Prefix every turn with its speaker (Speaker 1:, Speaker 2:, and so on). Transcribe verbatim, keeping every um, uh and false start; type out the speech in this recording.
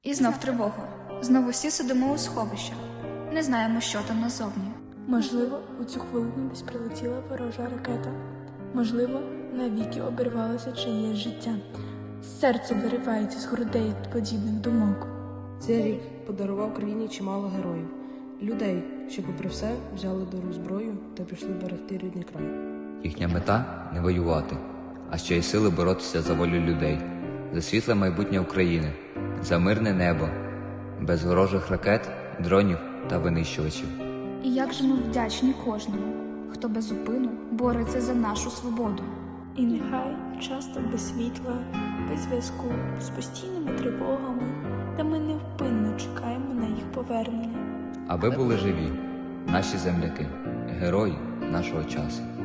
Speaker 1: І знов тривога. Знову всі сидимо у сховищах. Не знаємо, що там назовні.
Speaker 2: Можливо, у цю хвилину десь прилетіла ворожа ракета. Можливо, навіки обірвалося чиєсь життя. Серце виривається з грудей від подібних думок.
Speaker 3: Цей рік подарував країні чимало героїв. Людей, що попри все взяли до рук зброю та пішли берегти рідний край.
Speaker 4: Їхня мета – не воювати, а ще й сили боротися за волю людей, за світле майбутнє України, за мирне небо, без ворожих ракет, дронів та винищувачів.
Speaker 1: І як же ми вдячні кожному, хто без зупину бореться за нашу свободу.
Speaker 2: І нехай часто без світла, без зв'язку, з постійними тривогами, та ми невпинно чекаємо на їх повернення.
Speaker 4: Аби були живі наші земляки, герої нашого часу.